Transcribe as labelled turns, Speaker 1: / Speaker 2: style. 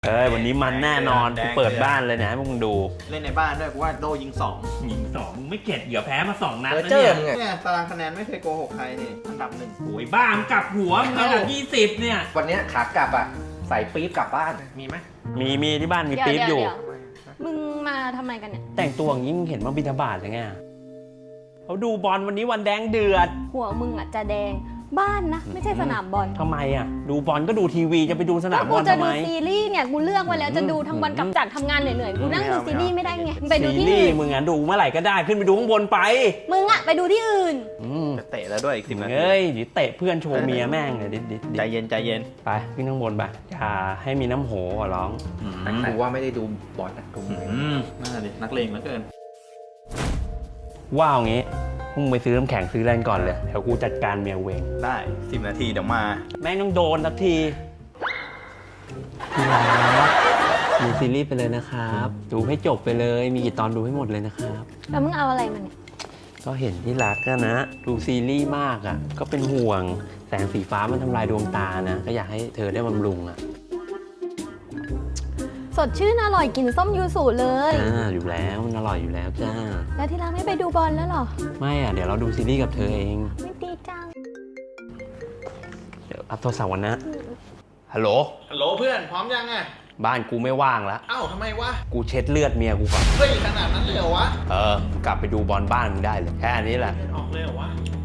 Speaker 1: วันนี้มันแน่นอนกูเปิดบ้านเลยนะให้มึงดู
Speaker 2: เล่นในบ้านด้วยกูว่าโดยิง2
Speaker 1: มึงไม่เข็ดเหรอแพ้มา2 นัดแล้ว
Speaker 2: เนี่ยตารางคะแนนไม่เคยโกหกใครนี่อันดับ1
Speaker 1: โอ้ยบ้ามึงกลับหัวมึงอันดับ20เนี่ย
Speaker 3: วันนี้ขากลับอ่ะใส่ปี๊บกลับบ้านมีไหม
Speaker 1: มีที่บ้านมีปี๊บอยู่
Speaker 4: มึงมาทำไมกันเนี่ย
Speaker 1: แต่งตัวอย่างนี้มึงเห็นว่าบิณฑบาตหรือไงเขาดูบอลวันนี้วันแดงเดือด
Speaker 4: หัวมึงอ่ะจะแดงบ้านนะไม่ใช่สนามบอล
Speaker 1: ทำไมอ่ะดูบอลก็ดูทีวีจะไปดูสนามบอลทำไม
Speaker 4: กูจะดูซีรีส์เนี่ยกูเลือกไว้แล้วจะดูทั้งวันกับจากทำงานเหนื่อยๆกูนั่งดูซีรีส์ไม่ได้ไงไปดูที่อื่น
Speaker 1: มึงอ่ะดูเมื่อไหร่ก็ได้ขึ้นไปดูข้างบนไป
Speaker 4: มึงอ่ะไปดูที่อื่น
Speaker 2: จะเตะแล้วด้วยอีก10 นาที
Speaker 1: ดิเตะเพื่อนโชว์เมียแม่งเลยดิ
Speaker 2: ใจเย็น
Speaker 1: ไปขึ้นข้างบนไปอย่าให้มีน้ำโหร้อง
Speaker 3: กูว่าไม่ได้ดูบอลนะกู
Speaker 2: น่าดินักเลงเหลือเกิน
Speaker 1: ว้าวงี้มึงไปซื้อน้ำแข็งซื้อแรงก่อนเลยเดี๋ยวกูจัดการเมียเวง
Speaker 2: ได้10 นาทีเดี๋ยวมา
Speaker 1: แม่งต้องโดนสักทีดูซีรีส์ไปเลยนะครับดูให้จบไปเลยมีกี่ตอนดูให้หมดเลยนะครับ
Speaker 4: แล้วมึงเอาอะไรมาเนี่ย
Speaker 1: ก็เห็นที่รักกันนะดูซีรีส์มากอ่ะก็เป็นห่วงแสงสีฟ้ามันทำลายดวงตานะก็อยากให้เธอได้บำรุงอ่ะ
Speaker 4: สดชื่นอร่อยกินส้มยูสุเลย
Speaker 1: อยู่แล้วมันอร่อยอยู่แล้วจ้า
Speaker 4: แล้วที่รักไม่ไปดูบอลแล้วหรอ
Speaker 1: ไม่อ่ะเดี๋ยวเราดูซีรีส์กับเธอเอง
Speaker 4: ไม่ดีจัง
Speaker 1: เดี๋ยวรับโทรศัพท์วันนะฮัลโหล
Speaker 2: เพื่อนพร้อมยังอ่ะ
Speaker 1: บ้านกูไม่ว่างแล้ว
Speaker 2: อ้าวทำไมวะ
Speaker 1: กูเช็ดเลือดเมียกูก่อน
Speaker 2: เฮ้ยขนาดนั้นเลยเหรอวะ
Speaker 1: กลับไปดูบอลบ้านมึงได้เลยแค่นี้แหละ
Speaker 2: ออกเลยเหรอวะ